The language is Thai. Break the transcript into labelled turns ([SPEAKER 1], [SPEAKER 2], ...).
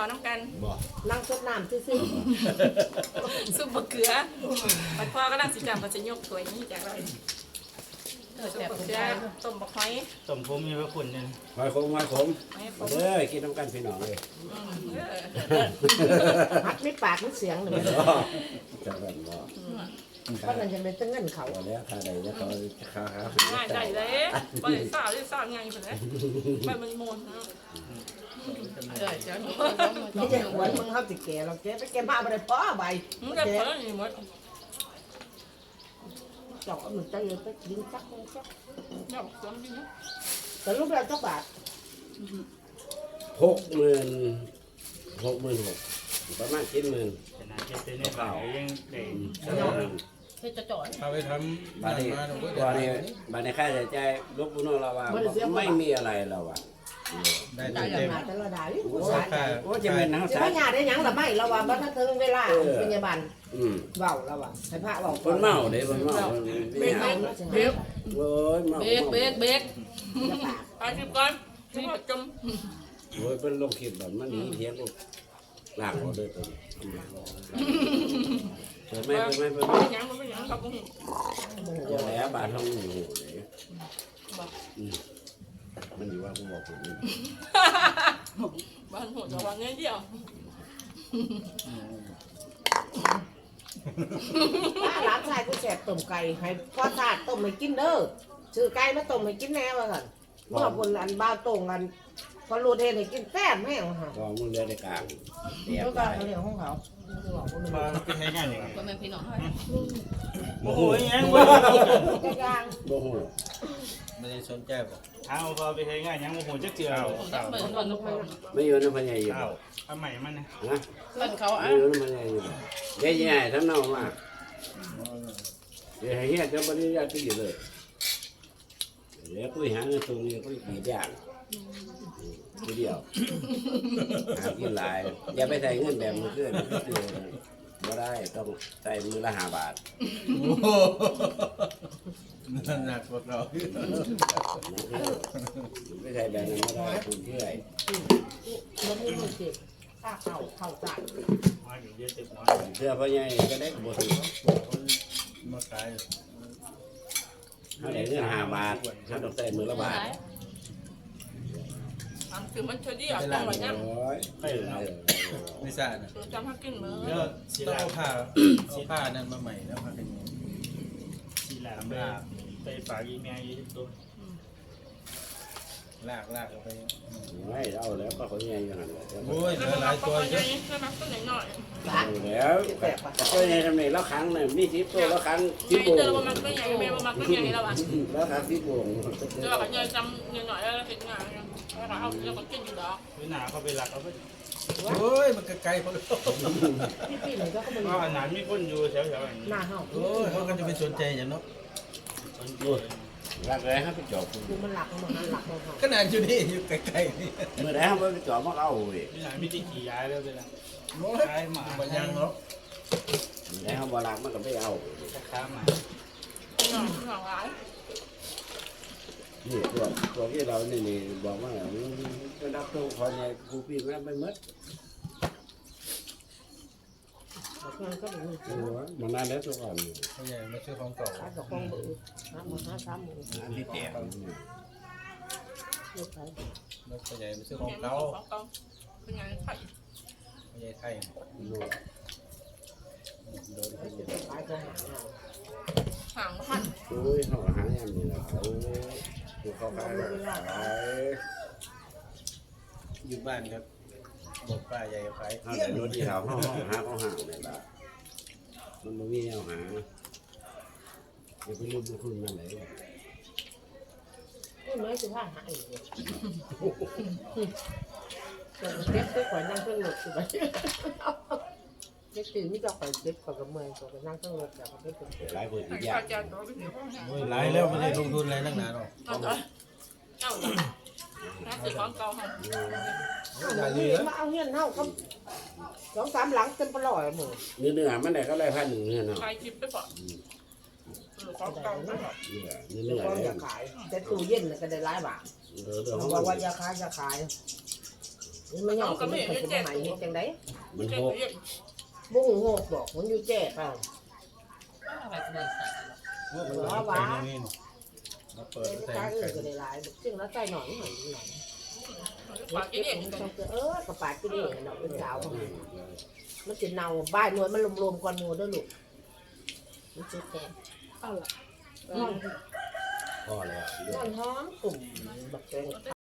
[SPEAKER 1] น้ำกัน
[SPEAKER 2] นั่งซดน้ำซื่อ
[SPEAKER 1] ซุปบะเขือไปพ่อก็นั่งสิจับมาจะยกถ้วยนี้จากเราซุปบะเขือต้มบะหอย
[SPEAKER 3] ต้มผมมีพระคุณเนี่ย
[SPEAKER 4] หอยขมเด้อกินน้ำกันพี่น้องเลย
[SPEAKER 2] ฮัดไม่ปากไม่เสียงเลย
[SPEAKER 4] จะแบบว่า
[SPEAKER 2] เพราะนั่นจะเป็นตั้งเงินเขา
[SPEAKER 4] เอาแล้วค่าใดแล้วเขาค่า
[SPEAKER 1] ง่ายใจเลยไปสาวได้สาวง่ายไปเลยไปมันโมนนะ
[SPEAKER 2] ไม่ใช่หวนมึงเขาติแก่เราแกไปแกมาอะไรพ่อใบ
[SPEAKER 1] มึงจะเพิ่มอีกหมด
[SPEAKER 2] เจาะมันจะเลยไปกินสักคนสัก
[SPEAKER 1] เดี๋ยวสวนดีนะ
[SPEAKER 2] แต่ลูกเราจักบาท
[SPEAKER 4] 60,000ประมาณ70,000
[SPEAKER 3] ขนาดเจ็ดเต้นข่าวยังเด็ก
[SPEAKER 5] เอาไปทำ
[SPEAKER 4] บานี้ค่าใช้จ่ายลูกพี่น้องเราว่าไม่มีอะไรเราอ่ะ
[SPEAKER 5] ได้
[SPEAKER 2] ได้
[SPEAKER 5] เต็ม
[SPEAKER 2] มาแต่ละได้
[SPEAKER 4] โอ้จะเป็นน้ำ
[SPEAKER 2] จะ
[SPEAKER 4] สา
[SPEAKER 2] ไม่หยาได้ยังหรือไม่เราว่าบัตรถึงเวลาพยาบาล เบาแล้วว่ะให้พระบอก
[SPEAKER 4] คนเมาเด้คนเมา
[SPEAKER 1] เบรกเบรก
[SPEAKER 4] โอ้ยเมา
[SPEAKER 1] เบรกไปสิบก่อนที่ว่าจม
[SPEAKER 4] โอ้ยเป็นลงคลิปแบบมันหนีเทียงลูกหลังเขาเลยตัวนี้เปิดไม่
[SPEAKER 1] ยังมันยังครับผม
[SPEAKER 4] อย่าแหลบาททองหูเลยมันอยู่ว่ากูบอกผม
[SPEAKER 1] บ้านหัวจะวางเงี้ยเดียว
[SPEAKER 2] ร้านชายกูแสบต้มไก่ให้พ่อทาดต้มให้กินเด้อซื้อไก่มาต้มให้กินแน่ว่าสั่นเมื่อคนอันบ้าตรงกันพอรูเทนให้กินแซ่บแม่งค่ะ
[SPEAKER 4] ก็มึงเลือดในกลางเดี๋ยว
[SPEAKER 2] แล้ว
[SPEAKER 4] ไป
[SPEAKER 2] ก็เรื่องของเขา
[SPEAKER 3] มาเป็นให้ง่ายอย่าง
[SPEAKER 1] ก็เป็นพี่น้อง
[SPEAKER 3] โอ้โหยัง
[SPEAKER 2] ย่าง
[SPEAKER 4] โอ้โห
[SPEAKER 5] ไม่ได้สนใจบอก
[SPEAKER 3] เอาพอไปให้ง่ายยังโอ้โหจะเจือ
[SPEAKER 4] ไม่อยู่ในพญาอยู่
[SPEAKER 3] เอาเอาใหม่มันนะ
[SPEAKER 4] นะ
[SPEAKER 1] เล่นเขา
[SPEAKER 4] ไม่
[SPEAKER 1] อ่ะ
[SPEAKER 4] อยู่ในพญาอยู่ใหญ่ๆทั้งนั้นมากเดี๋ยวให้เฮียจะบริจาคอยู่เลยเดี๋ยวกูหาเงินตรงนี้กูกี่อย่างทีเดียวหากินหลายอย่าไปใส่เงินแบบมือเพื่อนไม่ได้ต้องใส่มือละ5 บาท
[SPEAKER 5] นั่นหนักกว่าเรา
[SPEAKER 4] ไม่ใช่แบบนั้นไม่ได้คุณเพื่อน
[SPEAKER 2] มันไม่มีเจ็บข้าเข่าจ่าย
[SPEAKER 3] มาอยู่เยอะตึกน้อย
[SPEAKER 4] เสื้อพ่อใหญ่ก็ได้บท
[SPEAKER 5] มาขาย
[SPEAKER 4] เขาได้เงิน5 บาทเขาต้องใส่มือละบาท
[SPEAKER 1] คือมันช่วยดีอ่ะจังหวะนี้
[SPEAKER 4] โอ้ย
[SPEAKER 5] ไม่ทราบนะ
[SPEAKER 1] จำให้กินมือ
[SPEAKER 3] แล้วสี
[SPEAKER 5] ต้อง
[SPEAKER 3] ลา
[SPEAKER 5] เอาผ้านั้นมาใหม่แล้วผ้าเป็น
[SPEAKER 3] สีลาไปฝากอีเมลยี่ตัว
[SPEAKER 5] ลากเอาไป
[SPEAKER 4] ไม่เอาแล้วก็เขาใหญ่อย่างนั้น
[SPEAKER 5] โอ้ยเหลือหลายตัวเยอะ
[SPEAKER 1] ใช่ไหมตัวหน่อย
[SPEAKER 4] แล้วก็ใหญ่ทำไมแล้วครั้งน่ะมี10 ตัวแล้วครั้ง
[SPEAKER 1] ๆ
[SPEAKER 4] 10 โป่ง
[SPEAKER 1] เจอประมาณก็ใหญ่ไม่ประมาณก็ใหญ่แล้วอ่ะ
[SPEAKER 4] แล้วครั้ง10 โป่ง
[SPEAKER 1] เจอกับใหญ่จำหน่อยแล้วเห็นงานแล้วเราเราก็กินอยู่ดอก
[SPEAKER 3] วินาเขาไปหลักเอาไป
[SPEAKER 5] โอ้ยมันไกลๆพอแล้ว
[SPEAKER 2] พี่ๆหน่อยก็มัน
[SPEAKER 3] ก็อันนั้นมีคนอยู่แถวๆอย่างนี้
[SPEAKER 2] หน้าเห่า
[SPEAKER 5] โอ้ยเขาก็จะไปสนใจอย่างเนาะ
[SPEAKER 4] รักเลยครับไปจอบ
[SPEAKER 2] คือมันหลักมันหลักมันเห่า
[SPEAKER 5] ขนาดอยู่นี่อยู่ไกลๆนี่
[SPEAKER 4] เมื่อไหร่เขาไปจอบมาเอาเว้ย
[SPEAKER 3] วินามีที่ขี่ย้ายแล้วไปละ
[SPEAKER 5] โอ้ย
[SPEAKER 3] ย้ายหมา
[SPEAKER 5] บ่ยังเนาะ
[SPEAKER 4] เมื่อไหร่เขาบรักมันก็ไม่เอา
[SPEAKER 3] ค้าหมา
[SPEAKER 1] หน่อยร้าย
[SPEAKER 4] นี่ตัวที่เรานี่บอกว่าจะรับตัวคนเนี่ยกูปีนแล้วไปมัด
[SPEAKER 2] มันก็เป็น
[SPEAKER 4] มันนานแล้วตัวก่อน
[SPEAKER 5] เขาใหญ่มาซื้อของเก่า
[SPEAKER 2] ขายกับกองเบอร์5 3
[SPEAKER 4] อันที่แตก
[SPEAKER 2] ลูกขาย
[SPEAKER 5] แล้วเขาใหญ่มาซื้อข
[SPEAKER 1] ข
[SPEAKER 5] อ
[SPEAKER 1] อง ง
[SPEAKER 5] เก่า
[SPEAKER 1] เก่าเป็นไงไข่
[SPEAKER 5] เขาใหญ่ไทย
[SPEAKER 2] ขายของ
[SPEAKER 1] ห่างพัน
[SPEAKER 4] โอ้ยเขาหาอย่างนี้แล้วเขาขาย
[SPEAKER 5] อยู่บ้านครับบอกป้าใหญ่ขาย
[SPEAKER 4] เขาแต่รถที่เขาห้องหาเขาห่างเลยล่ะมันไม่มีแนวหาอย่าไปลืมบุญคุณนั่นแหละ
[SPEAKER 2] นี่ไม่สิว่าหาอีกเก็บไปก่อนนั่งเครื่องรถสิไปเก็บตื่นนี่ก็คอยเก็บก่อนกับเมื่อยก่อนนั่งเครื่องรถแล้วก็เก็บตื่น
[SPEAKER 4] หลายคนอีกอ
[SPEAKER 1] ข้า
[SPEAKER 4] ย่าง
[SPEAKER 1] วเจ้าตัวเป็นเดี๋ยว
[SPEAKER 5] โอ้ยหลายแล้วไม่ได้ลงทุนอะไรนักหนาหรอก
[SPEAKER 1] เจ้าน่าจะของเก่าค่ะ
[SPEAKER 2] มาเอาเงี้ยเท่ากับ2 3 หลังเต็มปลอยมือ
[SPEAKER 4] เนื้อมันได้ก็ได้1,000เนี่ยเนาะ
[SPEAKER 1] ใครคิดไปก่อนของเก่าไม่หรอก
[SPEAKER 4] เนื้
[SPEAKER 2] เดี๋ยว
[SPEAKER 4] อ
[SPEAKER 2] ก็
[SPEAKER 4] เนี่
[SPEAKER 2] อย ยากขายแต่ตู้เย็นก็ได้หลายบาท
[SPEAKER 4] เดี๋ยว
[SPEAKER 2] เขาบอกว่าอย่าขายอย่าขายมันหยอกมันเป็นสมัยเฮ็ดจังได๋
[SPEAKER 4] มัน
[SPEAKER 1] เจ็
[SPEAKER 4] ห
[SPEAKER 1] บ
[SPEAKER 4] ก
[SPEAKER 1] เยอะ
[SPEAKER 2] บ่ฮู้โหกบอกมันอยู่แจ้เปล่า
[SPEAKER 6] อะไรก็ได้สัก
[SPEAKER 5] ว่านี่มาเปิด
[SPEAKER 2] แต่
[SPEAKER 5] ใส่
[SPEAKER 2] กา
[SPEAKER 5] ไก่
[SPEAKER 2] ก็ได้หลายซึ่งแล้วใส่หน่อยหน่อย
[SPEAKER 1] ปากกินเอง
[SPEAKER 2] กระปาดกินเองเนาะเป็นสาวมันสิเน่าบ้านหน่วยมันรวมๆก่อนหมู่เด้อลูกมันสิแซ่บ
[SPEAKER 1] เอาล่ะ
[SPEAKER 4] พอแล้ว
[SPEAKER 2] นอนหอมกลุ่มบักแตง